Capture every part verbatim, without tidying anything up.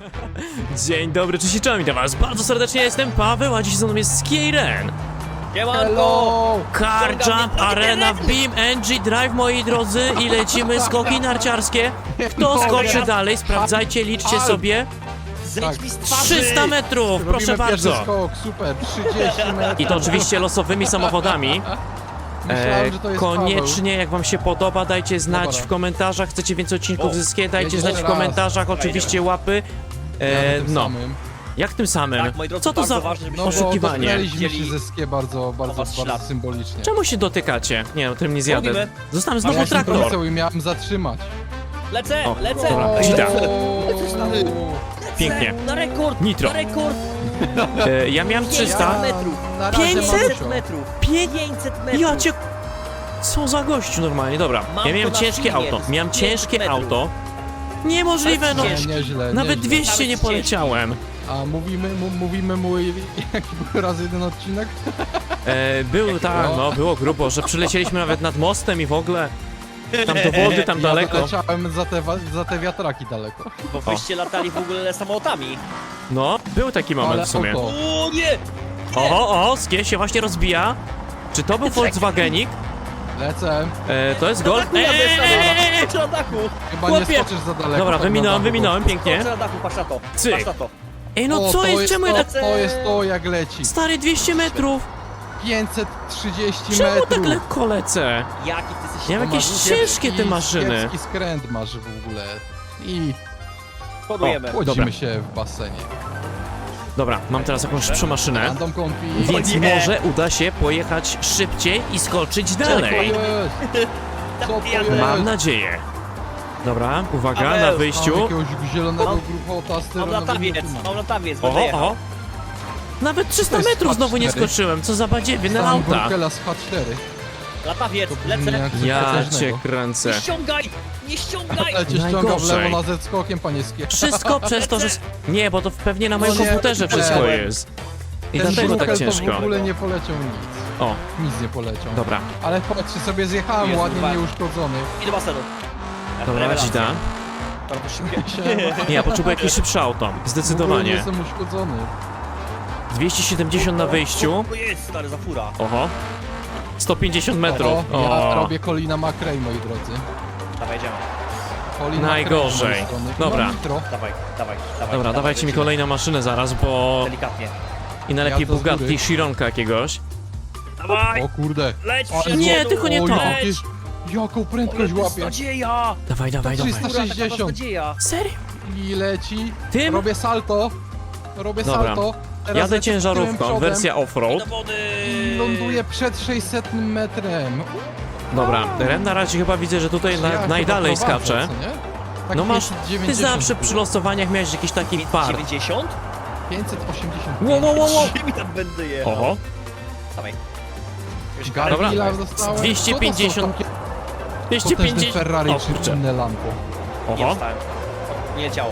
Dzień dobry, cześć i czołem, witam was bardzo serdecznie, jestem Paweł, a dziś ze mną jest Skiren. Hello! Car Jump Arena w Beam N G Drive, moi drodzy, i lecimy skoki narciarskie. Kto skoczy dalej, sprawdzajcie, liczcie sobie. Zejdź mi z twarzy! trzysta metrów, proszę Robimy bardzo. pierwszy skok, super, trzydzieści metrów. I to oczywiście losowymi samochodami. Myślałem, że to jest Koniecznie, jak wam się podoba, dajcie znać Dobra. w komentarzach. Chcecie więcej odcinków O, zyskać, dajcie jedziesz znać w raz. komentarzach, oczywiście łapy. Paweł. E, Ja na tym no, samym. jak tym samym? Tak, moi drodzy, Co to bardzo za ważne, żebyśmy- No bo oszukiwanie? dotknęliśmy się Dzieli- ze skie bardzo, bardzo, was bardzo ślad. symbolicznie. Czemu się dotykacie? Nie no, tym nie zjadę. Robimy. Zostałem A znowu ja się traktor. polecał i miałem zatrzymać. Lecę, O, lecę! dobra, Lecę, Zida. lecę, stary. Pięknie. Na rekord! Nitro. Na rekord! E, ja miałem trzysta. pięćset metrów! Na razie mam pięćset? pięćset dużo. metrów! Pię... pięćset metrów! Ja cię... Co za gościu normalnie, dobra. Mam Ja miałem to na ciężkie filmie, auto. to jest Miałem pięćset ciężkie metrów. auto. Niemożliwe, no. Ale Nie, ciężki. nieźle, Nawet nieźle. dwieście nie Nawet poleciałem. A mówimy, mu, mówimy mój, jaki był raz jeden odcinek? E, był tak, no, było grubo, że przylecieliśmy nawet nad mostem i w ogóle. Tam do wody, tam Ja daleko. leciałem za te, wa- za te wiatraki daleko. Bo wyście latali w ogóle samolotami. No, był taki moment Ale w sumie. oko. O nie! Oho, o, skie się właśnie rozbija. Czy to był Volkswagenik? Lecę. E, to jest Golf. Na dachu jadę, Eee! stary! na dachu! Chyba Chłopie. nie skoczysz za daleko. Dobra, tak wyminąłem, na dachu. wyminąłem, pięknie. Skoczę na dachu, patrz na to. Cyk. Patrz na to. Ej, no O, co to jest? Czemu ja to, tak... to jest to, jak leci. Stary, dwieście metrów. pięćset trzydzieści Czemu metrów. tak lekko lecę? Jaki ty jesteś... Ja mam To jakieś masz ciężkie te kiepski- maszyny. Kiepski skręt masz w ogóle. I Podujemy. chłodzimy Dobra. się w basenie. Dobra, mam teraz jakąś szybszą maszynę. Random confi. Więc O nie. może uda się pojechać szybciej i skoczyć Co to dalej. jest? Co to jest? Mam nadzieję. Dobra, uwaga, Paweł, na Mam wyjściu. jakiegoś zielonego Mam- gruchota z Mam latawiec, mam latawiec, będę Oho, jechał. oho. Nawet trzysta To jest metrów znowu nie H cztery. skoczyłem, co za badziewie na Mam auta. Gurkela z H cztery. Latawiec, To brzmi lecę. jak coś Ja potężnego. cię kręcę. Nie ściągaj! Nie ściągaj! Ale cię ściąga w Najgorzej. lewo na Z skokiem, panie skie. Wszystko przez to, że... Nie, bo to pewnie na moim No nie, komputerze wszystko nie. jest. I Ten dlatego tak Gurkel to w ciężko. ogóle nie poleciał nic. O, Nic nie poleciał. dobra. Ale patrzcie sobie, zjechałem Jezu, ładnie, dwa. nieuszkodzony. I do basenu. Dobra, Rewelacja. dzida. To to szybkie. Siema. Nie, ja potrzebuję jakieś szybsze auto. W ogóle nie Zdecydowanie. jestem uszkodzony. dwieście siedemdziesiąt na wyjściu. To jest, stary, za fura. Oho. sto pięćdziesiąt metrów. O, ja O. robię Colina McRae, moi drodzy. Dawaj, jedziemy. Colin Najgorzej. McRae z mojej strony. Dobra. No, nitro. Dawaj, dawaj, dawaj. Dobra, dawajcie mi lecimy. kolejną maszynę zaraz, bo... Delikatnie. I najlepiej Ja to z góry. Bugatti Chironka jakiegoś. Dawaj! O kurde. Leć Ale przed Nie, wodą. tylko nie Oj, to. jakieś- Jaką prędkość Ale łapie. beznadzieja! Dawaj, dawaj, dawaj. trzysta sześćdziesiąt. Beznadzieja! Serio? I leci. Tym? Robię salto. Robię Dobra. salto. Teraz Jadę lecę z tyłem ciężarówką, przodem wersja off-road. Do wody! I ląduję przed sześćsetnym metrem. Dobra, Ren na razie chyba widzę, że tutaj Ja na, chyba najdalej prowadzę, skacze. co nie? Tak No masz, pięćset ty dziewięćdziesiąt zawsze było. przy losowaniach miałeś jakiś taki fart. dziewięćdziesiąt? pięćset osiemdziesiąt. Wow, wow, wow, wow. Gdzie mi tam będę jechał? Oho, Dawaj. Wiesz, Dobra. Gargila dostałem. dwieście Co to są pięćdziesiąt. takie dwieście potężne pięćdziesiąt. Ferrari O czy kurczę. inne lampo. Nie Oho, wstałem. Nie leciało.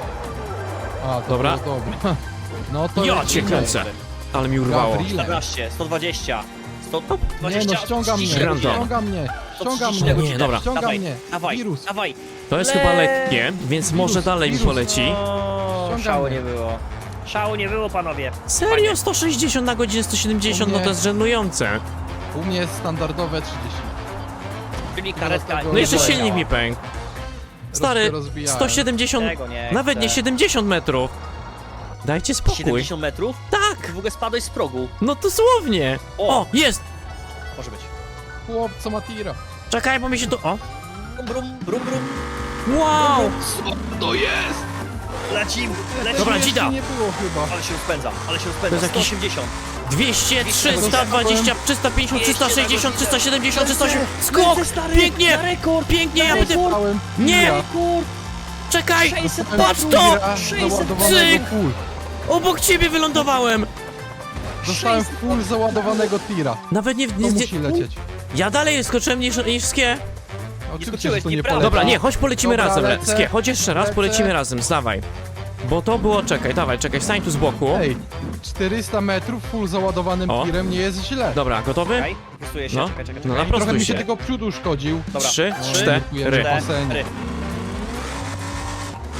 A, to Dobra. było dobre. No to ja lecimy. cię kręcę. Ale mi urwało. Gabriele. czternaście, sto dwadzieścia, sto Nie dwadzieścia, no, ściąga mnie, trzydzieści. Random. ściąga mnie, ściąga trzydzieści mnie, Nie, dobra. ściąga Dawaj, mnie, dawaj, wirus. dawaj. To jest Le- chyba lekkie, więc może Wirus, dalej mi wirus. poleci. O, Ściągamy. szału nie było. Szału nie było, panowie. Serio? sto sześćdziesiąt na godzinę, sto siedemdziesiąt, no to jest żenujące. U mnie jest standardowe trzydzieści. Czyli karetka No No jeszcze poleciała. silnik mi pękł. Stary, rozbijałem. sto siedemdziesiąt, Tego nie nawet nie chcę. siedemdziesiąt metrów. Dajcie spokój. siedemdziesiąt metrów? Tak, Ty w ogóle spadłeś z progu. no dosłownie. O. O, jest. Może być. Chłop, co ma tira. Czekaj, bo mi się tu... O, Brum, brum, brum, brum. wow. Co to jest? Lecim, lecim. Dobra, Jeszcze dzida. nie było chyba. Ale się rozpędza, ale się To rozpędza. jest sto jakiś- osiemdziesiąt. dwieście, trzysta dwadzieścia, trzysta pięćdziesiąt, trzysta sześćdziesiąt, trzysta siedemdziesiąt, trzysta osiemdziesiąt. Skok! Lecę, stary, Pięknie! na rekord, Pięknie, na ja będę... rekord. Dałem Nie! tira. Rekord. Czekaj! sześćset Patrz metrów. to! sześćset Załadowanego Cyk. full. Obok ciebie wylądowałem! Dostałem full załadowanego tira. Nawet nie... To nie, musi nie lecieć. ja dalej skoczyłem niż, niż Skie. Oczywiście, skoczyłeś, że to nie nieprawda. poleci. Dobra, nie, chodź polecimy Dobra, razem. lecę. Skie, chodź jeszcze raz, Lecę. polecimy razem, zdawaj. Bo to było... Czekaj, dawaj, czekaj, stań tu z boku. Ej, czterysta metrów full załadowanym O. tirem nie jest źle. Dobra, gotowy? Czekaj, wyprostuję się, No. czekaj, czekaj, No, czekaj. naprawdę. Trochę mi się się. tylko przód uszkodził. Dobra. Trzy, Trzy, cztery. Dziękujemy. cztery. basenie.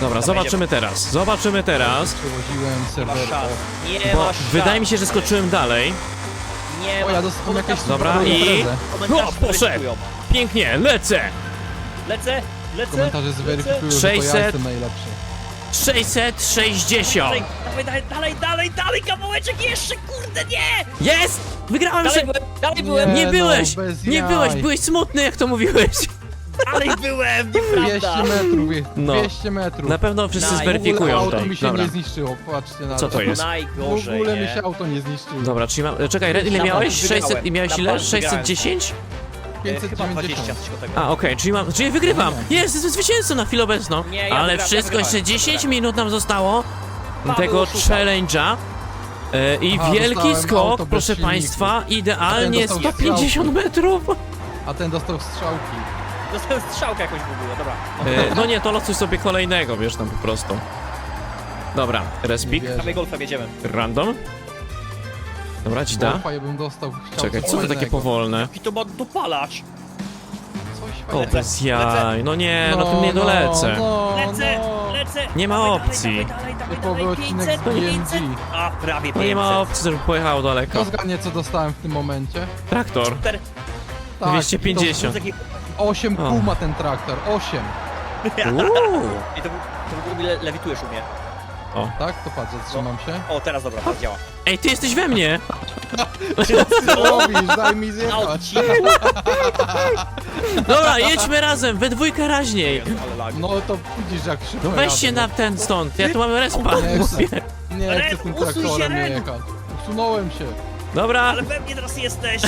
Dobra, zobaczymy teraz. Zobaczymy teraz. Przewoziłem Nie ma serwer. szans. Nie Bo ma szans. wydaje mi się, że skoczyłem dalej. Nie O, ma. ja dostałem jakieś Dobra, super i- imprezę. Komentarze O, poszedł. zweryfikują. Pięknie, lecę. Lecę, lecę. Komentarze zweryfikują, że to ja sześćset. jestem najlepszy. sześćset sześćdziesiąt. Dalej, dawaj, dalej, dalej, dalej, dalej, kawałeczek jeszcze, kurde, nie! Jest! Wygrałem Dalej się! byłem, dalej byłem, Nie no, byłeś! bez Nie jaj. byłeś, byłeś smutny, jak to mówiłeś. dalej byłem, dwieście nieprawda! metrów, je- No. dwieście metrów. Na pewno wszyscy Naj- W ogóle zweryfikują auto to. mi się Dobra. nie zniszczyło, patrzcie na Co to jest? W Najgorzej, ogóle mi nie? się auto nie zniszczyło. Dobra, czyli mam... Czekaj, Red, ile Na miałeś? bank wygrałem. sześćset i miałeś Na ile? bank wygrałem. sześćset dziesięć? E, Chyba dwadzieścia, pięćset dziewięćdziesiąt. coś koło tego. A, okej, czyli mam... Czyli wygrywam! Nie. Jest, jestem zwycięzcą na chwilę obecną. Nie, ja Ale wygrałem, wszystko, ja jeszcze wygrałem. dziesięć minut nam zostało Paweł tego oszuka. challenge'a. E, I Aha, wielki dostałem skok, auto bez proszę silniku. państwa, idealnie Ten dostał sto pięćdziesiąt metrów. A ten dostał strzałki. Dostałem strzałkę jakąś w ogóle, dobra. E, no nie, to losuj sobie kolejnego, wiesz, tam po prostu. Dobra, respik, Nie wierzę. Kamień golfem jedziemy. random. Dobra, ci da. Golfa ja bym dostał. Chciał Czekaj, coś co to takie innego. powolne? Jaki to ma dopalacz? Coś O, fajnego. bez jaj, no nie, no tym nie no, dolecę. No, Lecę, no. lecę! Nie ma Dawaj, opcji. Dawaj, dawaj, dawaj, Typowy dawaj, odcinek pięćset, z B M pięćset. G. A, prawie No nie ma pięćset. opcji, żeby pojechało daleko. Kto zgadnie co dostałem w tym momencie? Traktor, Super. Tak, dwieście pięćdziesiąt. Taki- osiem O. kół ma ten traktor, osiem. Uuu. I to, to w ogóle le, lewitujesz u mnie. Tak? To patrz, zatrzymam się. O, teraz dobra, teraz działa. Ej, ty jesteś we mnie! Co robisz? Daj mi zjechać. Auci. Dobra, jedźmy razem, we dwójkę raźniej. Ale lag. No to widzisz jak szybko No weź jadę, się no. na ten stąd, ja tu mam respa. Nie chcę, nie Ren, chcę tym usuń się, traktorem Ren. jechać. Usunąłem się. Dobra, Ale we mnie teraz jesteś.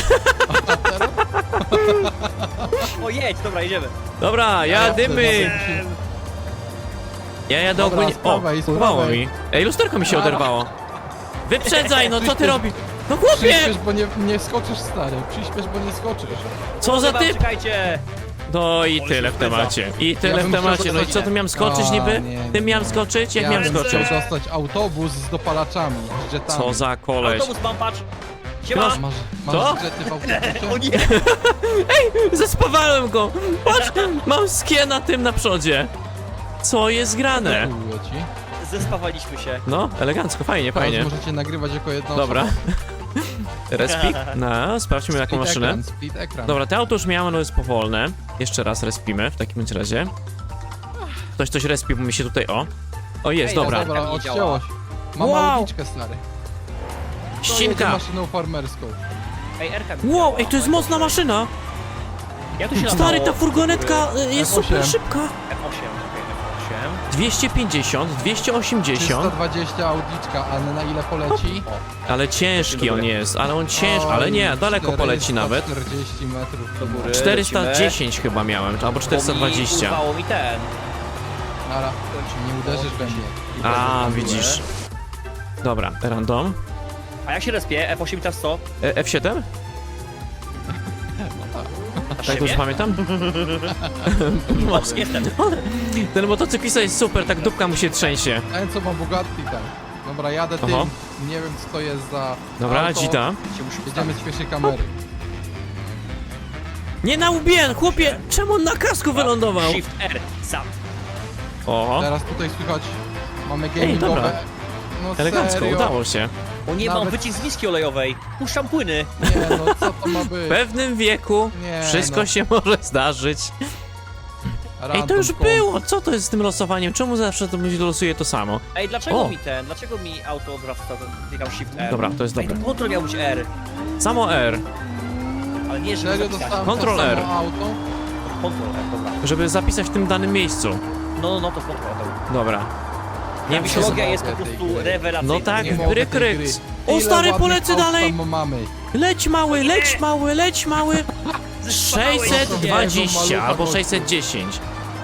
O, jedź, dobra, jedziemy. dobra, jadymy. Eee, Ja jadę Dobra, ogólnie... z O, prawej, z urwało prawej. mi. Ej, lusterko mi się Dobra. oderwało. Wyprzedzaj, no co ty Przyspiesz- robisz? No chłopie! Przyspiesz, bo nie, nie skoczysz, stary. Przyspiesz, bo nie skoczysz. Co za chyba, typ? Czekajcie. No i Ale tyle się w temacie. I tyle bym w temacie. chciał No i co, tu miałem skoczyć A, niby? nie, nie, Tym miałem nie. skoczyć? Jak Ja miałem bym lecę. skoczyć? chciał dostać autobus z dopalaczami, z jetami. Co za koleś. Autobus mam, patrz. Siema. Proszę. Masz, masz Co? jety w O autobusie? nie. Zespawałem go! Patrz, mam skie na tym na przodzie. Co jest grane? Dziękuję ci. Zespawaliśmy się. No, elegancko, fajnie, Teraz fajnie. możecie nagrywać jako jedno. Dobra. Respik? No, sprawdźmy jaką maszynę. Ekran, split ekran. Dobra, te auto już miałem, ono jest powolne. Jeszcze raz respimy w takim bądź razie. Ktoś coś respi, bo mi się tutaj... O! O, jest, Ej, dobra. Dobra, Nie odcięło działa. się. Mam Wow. małoliczkę, stary. To jedzie Ścinka! maszyną farmerską. Ej, Erka mi Wow, działa. ej, to jest mocna maszyna! Jak to się Stary, latało? ta furgonetka y, jest F osiem. super szybka. F osiem, okej, F osiem. dwieście pięćdziesiąt, dwieście osiemdziesiąt, trzysta dwadzieścia Audiczka, ale na ile poleci? ale ciężki on jest, ale on ciężki, ale nie, daleko poleci nawet. czterdzieści metrów Do góry. czterysta dziesięć chyba miałem, albo czterysta Bo dwadzieścia. mi urwało mi ten. Nara, nie uderzysz we mnie. I A, będę widzisz. Dobra, random. A jak się respie? F osiem teraz co? E, F siedem? Tak dobrze pamiętam? O, jestem. Ten motocyklista jest super, tak dupka mu się trzęsie. Ten co ma Bugatti tam. Dobra, jadę tym. Oho. Nie wiem co to jest za Dobra, auto. dzita. Się muszę Jedziemy z pierwszej kamery. Nie na łbien, chłopie! Czemu on na kasku wylądował? Shift R, sam. O, Teraz tutaj słychać, mamy Ej, gamingowe. dobra. No elegancko, serio? udało się. O nie, mam Nawet- wycisk z miski olejowej. Puszczam płyny. Nie no, co to ma W być? pewnym wieku Nie, wszystko no. się może zdarzyć. Ej, to Random już comp. było! Co to jest z tym losowaniem? Czemu zawsze to mi losuje to samo? Ej, dlaczego O. mi ten? Dlaczego mi auto odwraca? Klikam Shift R. Dobra, to jest Ej, dobre. to kontrol miał być R. Samo R, Ale nie, żeby Serio zapisać. dostałem Control to R. samo auto? Kontrol R, dobra. żeby zapisać w tym danym miejscu. No, no, no, to kontrol R. Dobra. Nie wiem, czy... Mitologia mogę jest po tej prostu gry. rewelacyjna. No tak, Nie mogę tej bryk, ryk. gry. O, Ile stary, ładnych polecę aut dalej! tam mamy. Leć mały, leć mały, leć mały! Zespawałeś sześćset sobie. dwadzieścia Malucha albo gościu. sześćset dziesięć.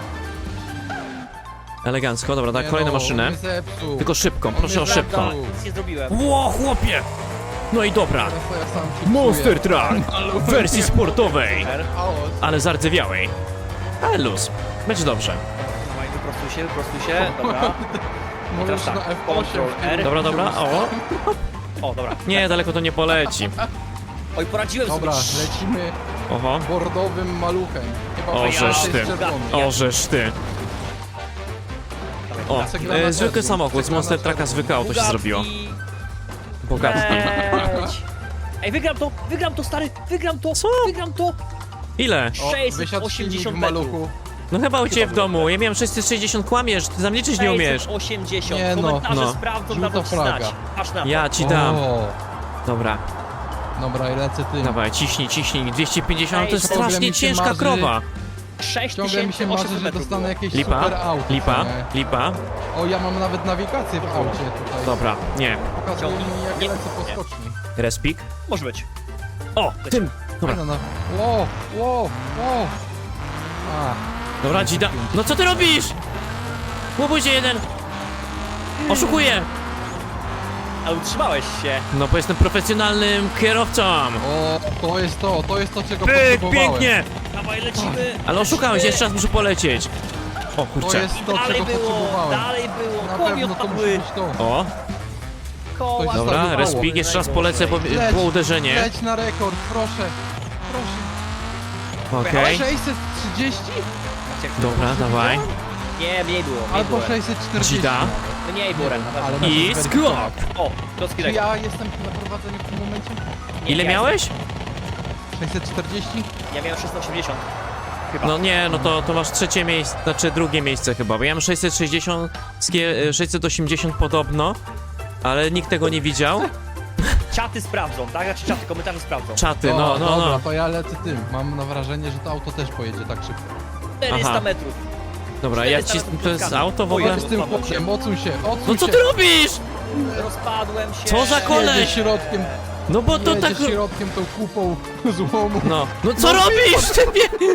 Elegancko, dobra, tak, Nie kolejną no, maszynę. mnie zepsuł. Tylko szybką, On proszę o mnie szybką. zepsuł. Nic nie zrobiłem. Ło, chłopie! No i dobra. Teraz to ja sam się Monster psuję. Truck w wersji sportowej, R. Chaos. ale zardzewiałej. Ale luz, będzie dobrze. Dawaj, wyprostuj się, wyprostuj się. Dobra. Możesz Teraz na tak, F osiem. Control R. Dobra, dobra, o. O, dobra. Nie, daleko to nie poleci. Oj, poradziłem Dobra, sobie. lecimy Oho. bordowym maluchem. Chyba O, to żeż jest ty. czerwony. O, żeż ty. Dawaj, O, Przegrana e, zwykły też, samochód, z przegrana Monster też. Trucka zwykłe auto się Bugatti. zrobiło. Bogatki. Leć. Ej, wygram to, wygram to, stary, wygram to, Co? wygram to. Ile? O, wysiadł silnik sześćset w metrów. maluchu. No chyba u ciebie w domu. Ja miałem sześćset sześćdziesiąt, kłamiesz, ty tam liczyć nie umiesz. sześćset osiemdziesiąt. Nie no, Komentarze no. sprawdzą, Żółta dadzą ci flaga. znać. Patrz na to. Ja ci dam. O, Dobra, dobra, i lecę tym. dawaj, ciśnij, ciśnij. dwieście pięćdziesiąt to jest Ej, ciągle strasznie mi się ciężka marzy- krowa. Ciągle mi się marzy, że dostanę jakieś Lipa, super auto. lipa, nie? lipa. O, ja mam nawet nawigację w aucie tutaj. Dobra, nie. Pokazuje mi, jak Nie. lecę po Nie. skoczni. Respik. Może być. O, tym. Dobra, No, no. Wow, wow, wow. A, dobra, dzida. No co ty robisz? Łobuj się jeden. Oszukuję. Ale utrzymałeś się. No bo jestem profesjonalnym kierowcą. o, to jest to, to jest to, czego Pyk, potrzebowałem. pięknie. Dawaj, lecimy. Ale oszukałeś, Lecimy. jeszcze raz muszę polecieć. O To kurczę. jest to, Dalej czego było, potrzebowałem. dalej było. Na Koło mi pewno to musi odpadły. być to. O, Koła. Ktoś dobra, Zostawiło. respik, jeszcze raz polecę, bo Leć, było uderzenie. Leć na rekord, proszę. Proszę. Okej, sześćset trzydzieści? dobra, dawaj. Nie, mniej było. Mniej Albo było. sześćset czterdzieści. Dzida. Mniej było, Ren, na pewno. Ale I na skok. O, klocki Czy rekord. ja jestem na prowadzeniu w tym momencie? Nie, Ile ja miałeś? sześćset czterdzieści? jestem- Ja miałem sześćset osiemdziesiąt. Chyba. No nie, no to, to masz trzecie miejsce, znaczy drugie miejsce chyba, bo ja mam sześćset sześćdziesiąt, skie- sześćset osiemdziesiąt podobno, ale nikt tego nie widział. Czaty sprawdzą, tak? Znaczy czaty, komentarze sprawdzą. Czaty, O, no, no, dobra, no. to ja lecę tym. Mam na wrażenie, że to auto też pojedzie tak szybko. czterysta Aha. metrów. Dobra, ja ci, to jest auto w ogóle? Z tym chłopcem, odsuń się, odsuń No co się. ty robisz? Rozpadłem się. Co za koleś? Jedzie środkiem, No bo to jedzie tak... środkiem tą kupą złomu. No, no co robisz? Ty nie...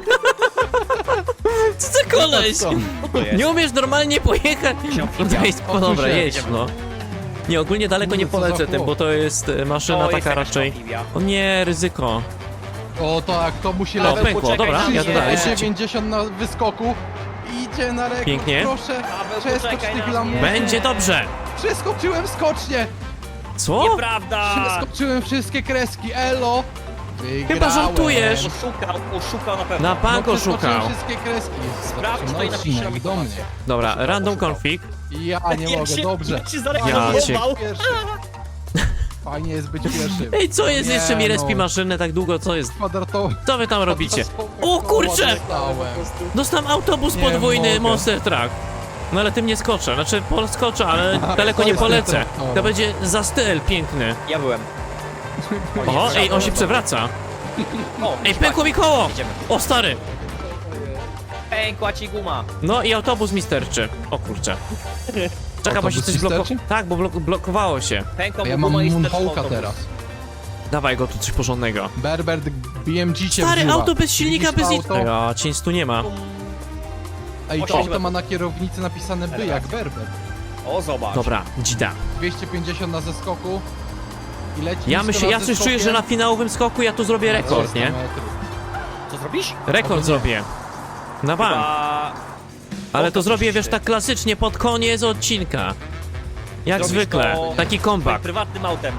Co za koleś? Co? Co to jest? Nie umiesz normalnie pojechać? No to jest, no dobra, się. jedź, no. Nie, ogólnie daleko nie Kurde, co za polecę tym, chłop. bo to jest e, maszyna O, jest taka jakaś raczej... amfibia. O nie, ryzyko. O tak, to musi O, Paweł, lecieć. pękło, poczekaj dobra, na ja mnie. dodaję. dziewięćdziesiąt na wyskoku. Idzie na rekord, Pięknie. proszę. Paweł, Przeskocz poczekaj tych na lam. mnie. Będzie dobrze. Przeskoczyłem skocznie. Co? Nieprawda! Przeskoczyłem wszystkie kreski, elo. Wygrałem. Chyba żartujesz. Oszukał, oszukał na pewno. Na bank No, przeskoczyłem oszukał. wszystkie kreski. Sprawdź Zobaczymy to i na napisz odcinek, nam do mnie. informację. Dobra, random config. Ja nie mogę, się, dobrze. Jak się Ja zareklamował. cię- Pierwszy. Fajnie jest być pierwszym. Ej, co jest? Nie, Jeszcze mi respi no. maszynę tak długo, co jest? Kwadratowy. Co wy tam robicie? O kurczę! Dostałem. Dostałem autobus Nie podwójny mogę. Monster Truck. No ale tym nie skoczę, znaczy poskoczę, ale daleko to nie jest polecę. ten traktor. To będzie za styl piękny. Ja byłem. O, ej, on się przewraca. O, Ej, pękło mi koło! Jedziemy. O, stary! Pękła ci guma. No i autobus mi sterczy. O kurczę. Czekaj, bo się Autobus coś ci blokowało. sterczy? Tak, bo blok blokowało się. Pękła A ja mu mam guma i sterczył Moonhawka autobus. teraz. Dawaj go tu coś porządnego. Berber B M G cię Stary, wzięła. auto bez silnika, Widzisz bez nic. to auto? Ja, cień tu nie ma. Ej, to osiem auto ma na kierownicy napisane by jak Berber. O, zobacz. Dobra, dzida. dwieście pięćdziesiąt na zeskoku. I leci Ja nisko myślę, nad ja coś czuję, zeskokiem. że na finałowym skoku ja tu zrobię rekord, trzysta nie? metrów. Co zrobisz? Rekord Albo nie. zrobię. Na bank. Chyba... Ale to o, zrobię, coś wiesz, ty. tak klasycznie pod koniec odcinka. Jak Zrobisz zwykle. to Taki Twoim comeback. prywatnym autem.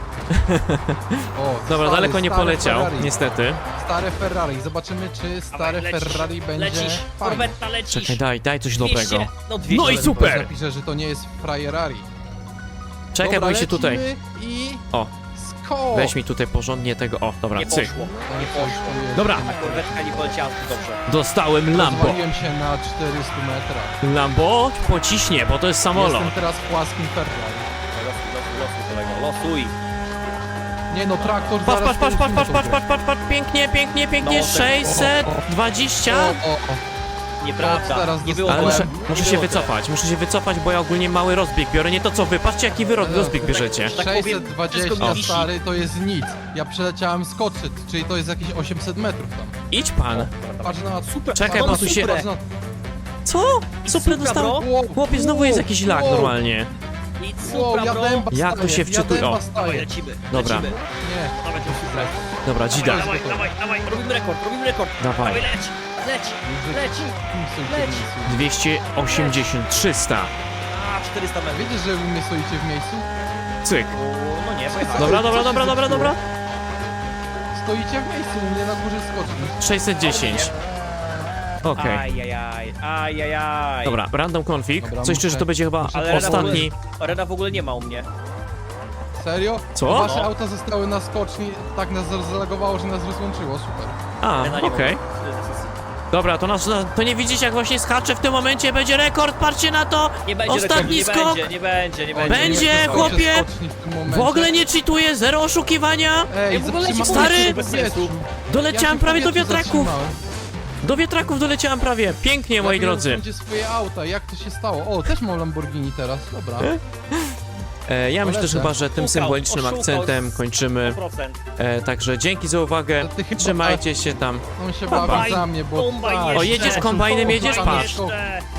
O, Dobra, stary, daleko nie stare poleciał, Ferrari. niestety. Stare Ferrari. Zobaczymy, czy stare Dawaj, lecisz, Ferrari będzie Lecisz, fajne. korwetta lecisz. Czekaj, daj, daj coś dwieście, dobrego. No, dwieście. No i super! Napiszę, że to nie jest Frajerari. Czekaj, Dobra, bo mi się tutaj... lecimy I... O, Skok! weź mi tutaj porządnie tego... O, dobra, Nie cyk. poszło. To nie poszło. Dobra. Ta korwetka nie poleciała zbyt dobrze. Dostałem Lambo. Zwaliłem się na czterystu metrach. Lambo pociśnie, bo to jest samolot. Jestem teraz w płaskim Ferrari. Losuj, losuj, losuj, kolego, losuj. Nie no, traktor Patrz, zaraz patrz, patrz, patrz, poruszymy patrz, tą patrz, grę. patrz, patrz, patrz, pięknie, pięknie, pięknie, No, tak. sześćset O, dwadzieścia. o, o. Nieprawda, teraz nie było Ale dostałem. muszę, Nie muszę się było wycofać, muszę się wycofać, bo ja ogólnie mały rozbieg biorę, nie to co wy, patrzcie jaki wy ro- Ale rozbieg tak- bierzecie. tak powiem, sześćset wszystko dwadzieścia mi wisi. stary to jest nic. Ja przeleciałem skoczyć, czyli to jest jakieś osiemset metrów tam. Idź pan. Patrz na... Super, Czekaj, patrz bo tu się- patrz na... Co? I Super supra, dostałem. bro. Wow, Chłopie, znowu jest jakiś lag wow, normalnie. Nic, Wow, supra, ja bro. dęba Jak to staję, się wczytuje? Ja O. dęba Dawaj, staję. lecimy, Dobra. lecimy. Nie, Dawaj, to supra. Dobra, dzida. Dawaj, dawaj, dawaj, robimy rekord, robimy rekord. Dawaj. Dawaj, leć, leć, leć. Leć. dwieście osiemdziesiąt, trzysta. A, czterysta metrów. Wiecie, że wy mnie stoicie w miejscu? Cyk. O, no nie, pojechałem. Dobra, Co dobra, się dobra, dobra, zepsuło? dobra. Stoicie w miejscu, u mnie na górze skoczni. sześćset dziesięć. Okej. Ajajaj, ajajaj. Dobra, random config. Dobra, Coś czuję, że to muszę- będzie chyba muszę Ale Rena w, ogóle, ostatni. Rena w ogóle nie ma u mnie. Serio? Co? Wasze No. auta zostały na skoczni, tak nas zalagowało, że nas rozłączyło, super. A, Rena nie okej. ma. Dobra, to, nas, to nie widzicie, jak właśnie skacze w tym momencie, będzie rekord, patrzcie na to! Nie będzie Ostatni rekordu, skok! nie będzie, nie będzie, nie O, będzie. Będzie, nie, nie, chłopie! skoczni w tym momencie. W ogóle nie cheatuję, zero oszukiwania! Ej, Ja w ogóle ci zatrzymałem mówię, się że w bez powietrzu. sensu. Doleciałem Ja się w prawie do powietrzu wiatraków! zatrzymałem. Do wiatraków doleciałem prawie, pięknie, moi Ja wiem, drodzy. wszędzie swoje auta, jak to się stało? O, też mam Lamborghini teraz, dobra. E, ja myślę, że Polecam. chyba, że tym Oszukał, symbolicznym oszukał akcentem sto kończymy. procent. E, także dzięki za uwagę, To ty chyba- trzymajcie się tam. On się Kombajn, bawi za mnie, bo... kombajn tak, jeszcze. O, jedziesz kombajnem, jedziesz, kombajn patrz. jeszcze. Jeszcze.